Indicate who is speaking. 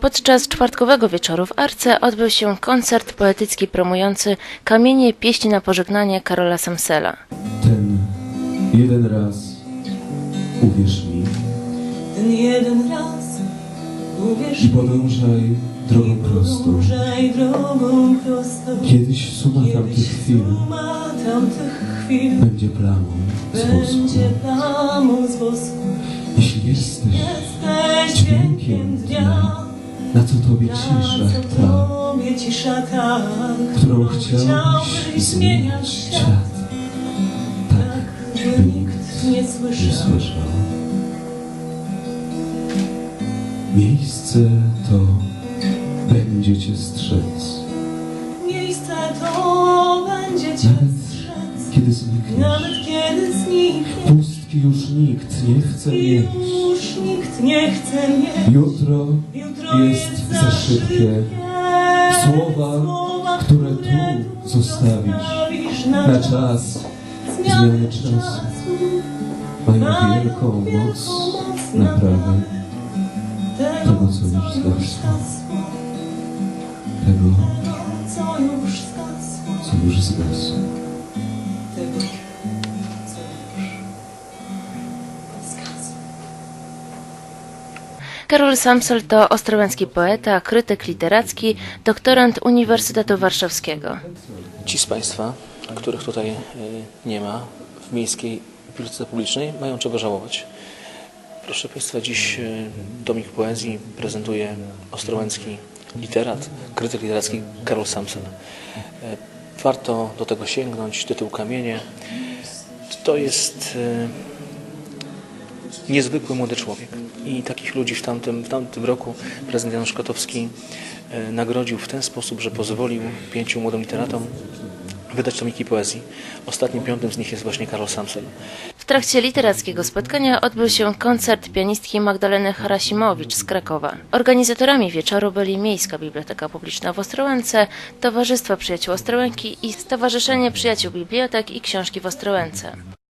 Speaker 1: Podczas czwartkowego wieczoru w Arce odbył się koncert poetycki promujący Kamienie pieśni na pożegnanie Karola Samsela.
Speaker 2: Ten jeden raz, uwierz mi,
Speaker 3: ten jeden raz, uwierz
Speaker 2: i podążaj drogą prostą. Kiedyś suma tamtych chwil będzie plamą z wosku. Jeśli jesteś dźwiękiem dnia, na co tobie cisza ta, którą chciałbyś zmieniać świat, tak by nikt nie słyszał. Miejsce to będzie cię strzec.
Speaker 3: Miejsce to będzie cię strzec.
Speaker 2: Kiedy znikniesz,
Speaker 3: Nawet kiedy znikniesz.
Speaker 2: Pustki już nikt nie chce mieć.
Speaker 3: Już nikt nie chce mieć.
Speaker 2: Jutro jest za szybkie. Słowa, które tu zostawisz na czas zmiany czasu, mają wielką moc naprawy tego, co już zgasło. Tego, co już zgasło.
Speaker 1: Karol Samsel to ostrołęcki poeta, krytyk literacki, doktorant Uniwersytetu Warszawskiego.
Speaker 4: Ci z Państwa, których tutaj nie ma w Miejskiej Bibliotece Publicznej, mają czego żałować. Proszę Państwa, dziś tomik poezji prezentuje ostrołęcki literat, krytyk literacki Karol Samsel. Warto do tego sięgnąć. Tytuł Kamienie to jest niezwykły młody człowiek i takich ludzi w tamtym roku prezydent Janusz Kotowski nagrodził w ten sposób, że pozwolił 5 młodym literatom wydać tomiki poezji. Ostatnim 5 z nich jest właśnie Karol Samsel.
Speaker 1: W trakcie literackiego spotkania odbył się koncert pianistki Magdaleny Harasimowicz z Krakowa. Organizatorami wieczoru byli Miejska Biblioteka Publiczna w Ostrołęce, Towarzystwo Przyjaciół Ostrołęki i Stowarzyszenie Przyjaciół Bibliotek i Książki w Ostrołęce.